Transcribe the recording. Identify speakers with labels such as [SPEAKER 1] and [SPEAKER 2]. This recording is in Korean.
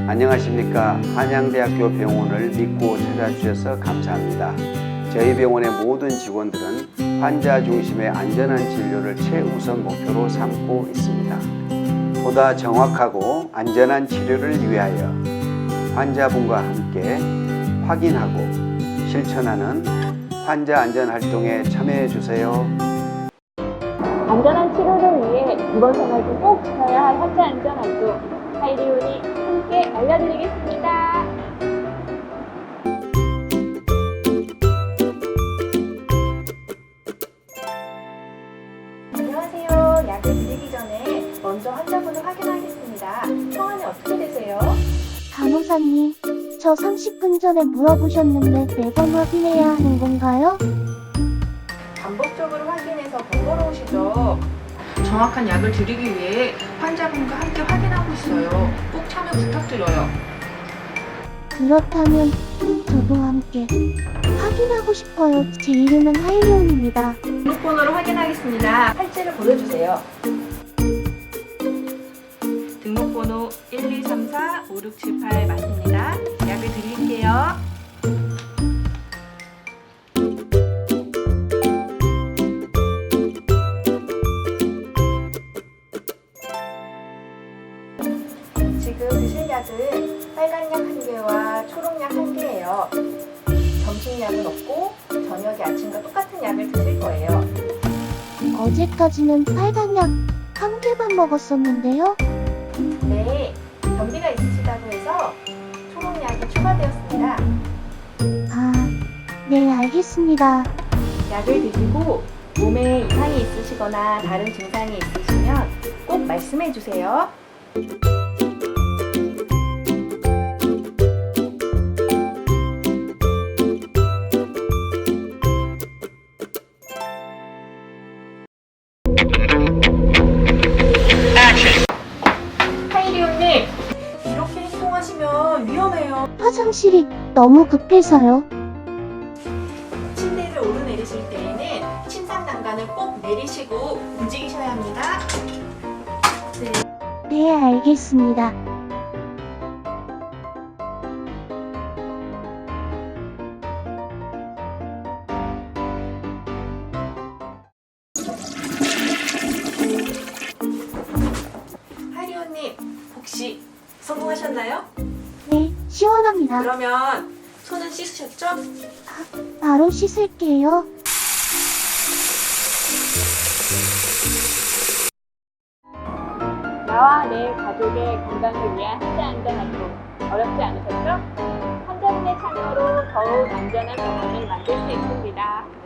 [SPEAKER 1] 안녕하십니까. 한양대학교 병원을 믿고 찾아주셔서 감사합니다. 저희 병원의 모든 직원들은 환자 중심의 안전한 진료를 최우선 목표로 삼고 있습니다. 보다 정확하고 안전한 치료를 위하여 환자분과 함께 확인하고 실천하는 환자 안전 활동에 참여해 주세요.
[SPEAKER 2] 안전한 치료를 위해 이번 생활 중 꼭 지켜야 할 환자 안전 활동, 하이리온이 함께 알려드리겠습니다.
[SPEAKER 3] 안녕하세요. 약을 드리기 전에 먼저 환자분을 확인하겠습니다. 성함이 어떻게 되세요?
[SPEAKER 4] 간호사님, 저 30분 전에 물어보셨는데 매번 확인해야 하는 건가요?
[SPEAKER 3] 반복적으로 확인해서 번거로우시죠? 정확한 약을 드리기 위해 환자분과 함께 확인하고 있어요. 꼭 참여 부탁드려요.
[SPEAKER 4] 그렇다면 저도 함께 확인하고 싶어요. 제 이름은 하이리온입니다.
[SPEAKER 3] 등록번호를 확인하겠습니다. 팔찌를 보여주세요. 등록번호 1234567 맞습니다. 약을 드릴게요. 지금 드실 약은 빨간 약 1개와 초록 약 1개예요. 점심약은 없고 저녁에 아침과 똑같은 약을 드실 거예요.
[SPEAKER 4] 어제까지는 빨간 약 한 개만 먹었었는데요.
[SPEAKER 3] 네, 변비가 있으시다고 해서 초록 약이 추가되었습니다.
[SPEAKER 4] 아, 네, 알겠습니다.
[SPEAKER 3] 약을 드시고 몸에 이상이 있으시거나 다른 증상이 있으시면 꼭 말씀해 주세요. 하이리온님, 이렇게 행동하시면 위험해요.
[SPEAKER 4] 화장실이 너무 급해서요.
[SPEAKER 3] 침대를 오르내리실 때에는 침상 난간을 꼭 내리시고 움직이셔야 합니다.
[SPEAKER 4] 네, 알겠습니다.
[SPEAKER 3] 하이리온님, 혹시 성공하셨나요?
[SPEAKER 4] 네, 시원합니다.
[SPEAKER 3] 그러면 손은 씻으셨죠?
[SPEAKER 4] 바로 씻을게요.
[SPEAKER 2] 나와 내 가족의 건강을 위한 환자 안전 활동 어렵지 않으셨죠? 환자분의 참여로 더욱 안전한 병원을 만들 수 있습니다.